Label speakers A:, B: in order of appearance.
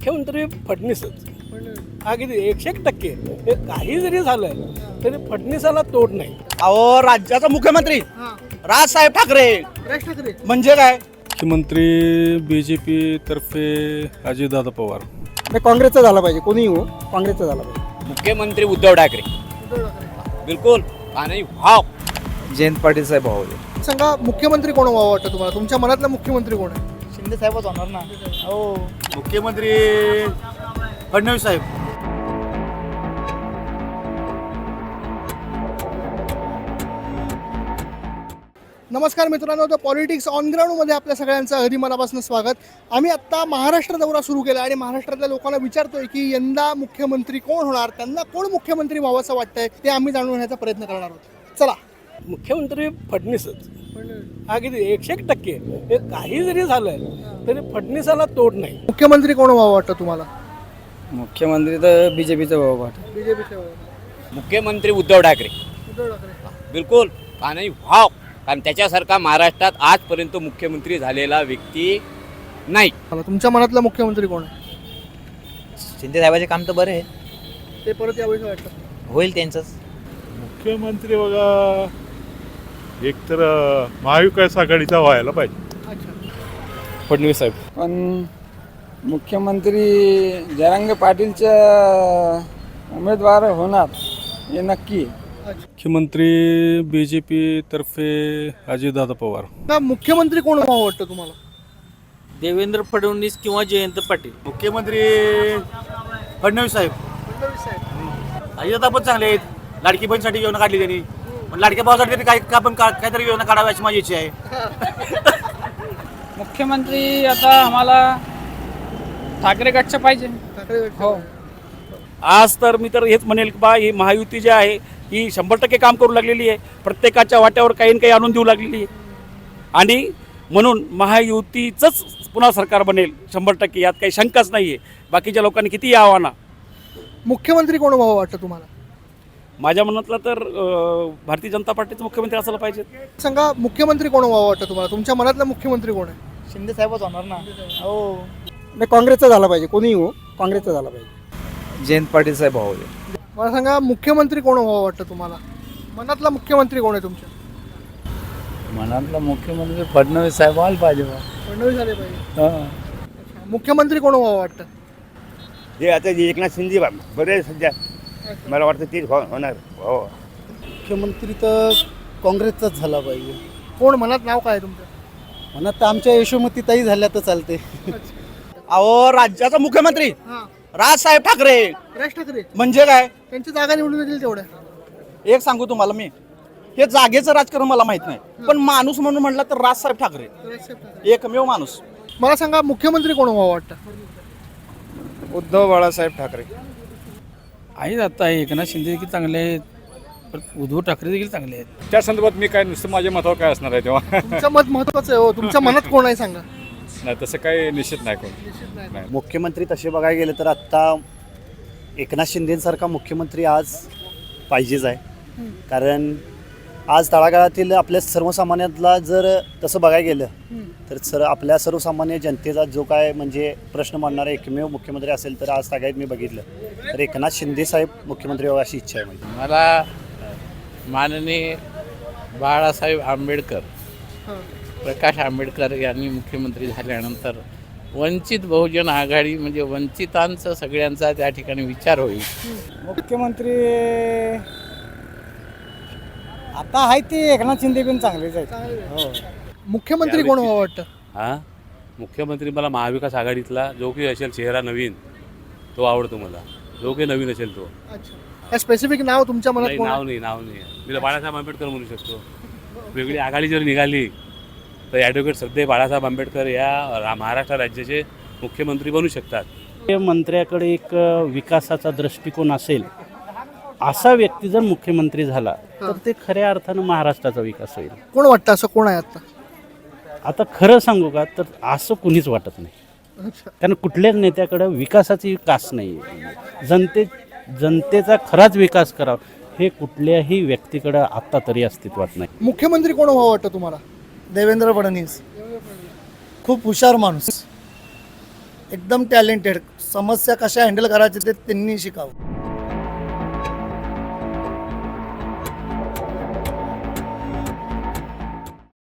A: मुख्यमंत्री फडणवीसच. अगदी 101% हे काही जरी झालं तरी फडणवीसाला तोड नाही.
B: अहो राज्याचा मुख्यमंत्री राजसाहेब ठाकरे म्हणजे काय?
C: मुख्यमंत्री BJP तर्फे अजितदादा पवार.
D: काँग्रेसचा झाला पाहिजे, कोणीही हो, काँग्रेसचा झाला पाहिजे.
E: मुख्यमंत्री उद्धव ठाकरे. बिलकुल आणि वाव
B: जयंत पाटील साहेब भाऊ.
D: सांगा, मुख्यमंत्री कोण व्हावं वाटतं तुम्हाला? तुमच्या मनातला मुख्यमंत्री कोण आहे?
B: शिंदे साहेबच होणार ना. हो,
F: मुख्यमंत्री फडणवीस साहेब.
D: नमस्कार मित्रांनो, तर पॉलिटिक्स ऑन ग्राउंडमध्ये आपल्या सगळ्यांचं अगदी मनापासून स्वागत. आम्ही आत्ता महाराष्ट्र दौरा सुरू केला आणि महाराष्ट्रातल्या लोकांना विचारतोय की यंदा मुख्यमंत्री कोण होणार, त्यांना कोण मुख्यमंत्री व्हावं असं वाटतंय ते आम्ही जाणून घेण्याचा प्रयत्न करणार आहोत. चला.
A: मुख्यमंत्री फडणवीसच. अगदी 101% हे काही जरी झालं तरी फडणवीसाला तोड नाही.
D: मुख्यमंत्री कोण व्हावं वाटतं तुम्हाला?
B: मुख्यमंत्री तर BJPचा भाऊ वाटत.
D: बीजेपीचे.
E: मुख्यमंत्री उद्धव ठाकरे. बिलकुल आणि वाव, कारण त्याच्यासारखा महाराष्ट्रात आजपर्यंत मुख्यमंत्री झालेला व्यक्ती नाही.
D: तुमच्या मनातला मुख्यमंत्री कोण आहे?
B: शिंदे साहेबाचे काम तर बरे आहे,
D: ते परत यावेळी वाटतं
B: होईल त्यांचंच.
C: मुख्यमंत्री बघा, एक तर महाविकास आघाडीचा व्हायला पाहिजे.
D: अच्छा.
C: फडणवीस साहेब.
G: पण मुख्यमंत्री जरांगे पाटीलच्या उमेदवार होणार हे नक्की.
C: मुख्यमंत्री BJP तर्फे अजितदादा पवार.
D: का मुख्यमंत्री कोण व्हावं वाटतं तुम्हाला?
H: देवेंद्र फडणवीस किंवा जयंत पाटील.
F: मुख्यमंत्री फडणवीस साहेब. अजितदादा पण चांगले आहेत. लाडकी बहिणीसाठी योजना काढली त्यांनी, पण लाडक्या भावासाठी तरी काहीतरी योजना काढावी अशी माझी इच्छा आहे.
H: मुख्यमंत्री आता आम्हाला ठाकरे गटचं पाहिजे.
D: हो.
I: आज तर मी तर हेच म्हणेल की बा ही महायुती जी आहे ही 100% काम करू लागलेली आहे. प्रत्येकाच्या वाट्यावर काही ना काही आणून देऊ लागलेली आहे आणि म्हणून महायुतीचंच पुन्हा सरकार बनेल 100%. यात काही शंकाच नाही आहे. बाकीच्या लोकांनी किती यावं ना.
D: मुख्यमंत्री कोण व्हावं वाटतं तुम्हाला?
I: माझ्या मनातला तर भारतीय जनता पार्टीचं मुख्यमंत्री असायला पाहिजे.
D: सांगा, मुख्यमंत्री कोण व्हावं वाटतं तुम्हाला? तुमच्या मनातला मुख्यमंत्री कोण आहे?
B: शिंदे साहेबच होणार ना. हो,
D: काँग्रेसचा झाला पाहिजे, कोणीही हो, काँग्रेसचा झाला पाहिजे.
B: जयंत पाटील साहेब भाऊ.
D: मला सांगा, मुख्यमंत्री कोण व्हावं वाटतं तुम्हाला? मनातला मुख्यमंत्री कोण आहे तुमच्या?
G: मनातला मुख्यमंत्री फडणवीस साहेब व्हायला पाहिजे.
D: फडणवीस झाले पाहिजे. मुख्यमंत्री कोण व्हावं वाटतं?
F: हे आता एकनाथ शिंदे बरे सध्या, मला वाटतं तेच होणार. हो,
D: मुख्यमंत्री तर काँग्रेसचाच झाला पाहिजे. कोण मनात नाव काय तुमचं?
G: मनात तर आमच्या यशोमती ताई झाल्या तर चालते.
B: अहो राज्याचा मुख्यमंत्री राजसाहेब ठाकरे
D: राज ठाकरे
B: म्हणजे काय?
D: त्यांची जागा निवडून येतील तेवढ्या.
B: एक सांगू तुम्हाला, मी हे जागेचं राजकारण मला माहित नाही, पण माणूस म्हणून म्हटलं तर राजसाहेब ठाकरे एकमेव माणूस.
D: मला सांगा, मुख्यमंत्री कोण व्हावं वाटतं?
G: उद्धव बाळासाहेब ठाकरे.
H: आहेत आता एकनाथ शिंदे देखील चांगले आहेत, उद्धव ठाकरे देखील चांगले आहेत.
C: त्या संदर्भात मी काय नुसतं माझ्या मतावर काय असणार आहे तेव्हा
D: तुमचं मत महत्वाचं आहे हो. तुमच्या मनात कोण आहे सांगा.
C: नाही, तसं काही निश्चित नाही कोण.
F: मुख्यमंत्री तसे बघायला गेलं तर आत्ता एकनाथ शिंदेसारखा मुख्यमंत्री आज पाहिजेच आहे. कारण आज तळागाळातील आपल्या सर्वसामान्यातला जर तसं बघायला गेलं तर आपल्या सर्वसामान्य जनतेचा जो काय म्हणजे प्रश्न मांडणारा एकमेव मुख्यमंत्री असेल तर आज सगळ्यात मी बघितलं तर एकनाथ शिंदे साहेब मुख्यमंत्री व्हावं अशी इच्छा आहे माझी.
H: मला माननीय बाळासाहेब आंबेडकर, प्रकाश आंबेडकर यांनी मुख्यमंत्री झाल्यानंतर वंचित बहुजन आघाडी म्हणजे वंचितांचं सगळ्यांचा त्या ठिकाणी विचार होईल.
G: मुख्यमंत्री आता आहे ते एकनाथ शिंदे पण चांगलेच आहेत. हो.
D: मुख्यमंत्री कोण व्हावं वाटतं?
J: हां, मुख्यमंत्री मला महाविकास आघाडीतला जो काही असेल चेहरा नवीन तो आवडतो मला. जो काही नवीन असेल तो.
D: अच्छा. स्पेसिफिक नाव तुमच्या मनात
J: नाही,
D: कोण आहे?
J: नाव नाही. मी बाळासाहेब आंबेडकर म्हणू शकतो. वेगळी आघाडी जर निघाली तर ॲडव्होकेट सध्या बाळासाहेब आंबेडकर या महाराष्ट्र राज्याचे मुख्यमंत्री बनू शकतात.
H: मंत्र्याकडे एक विकासाचा दृष्टिकोन असेल असा व्यक्ती जर मुख्यमंत्री झाला तर ते खऱ्या अर्थानं महाराष्ट्राचा विकास होईल.
D: कोण वाटतं असं कोण आहे आता?
H: आता खरं सांगू का तर असं कुणीच वाटत नाही. कारण कुठल्याच नेत्याकडं विकासाची कास नाही आहे. जनतेचा खराच विकास करावा हे कुठल्याही व्यक्तीकडं आत्ता तरी अस्तित्वात नाही.
D: मुख्यमंत्री कोण व्हावं वाटतं तुम्हाला?
G: देवेंद्र फडणवीस खूप हुशार माणूस, एकदम टॅलेंटेड,
F: समस्या कशा हँडल करायच्या ते त्यांनी शिकावं.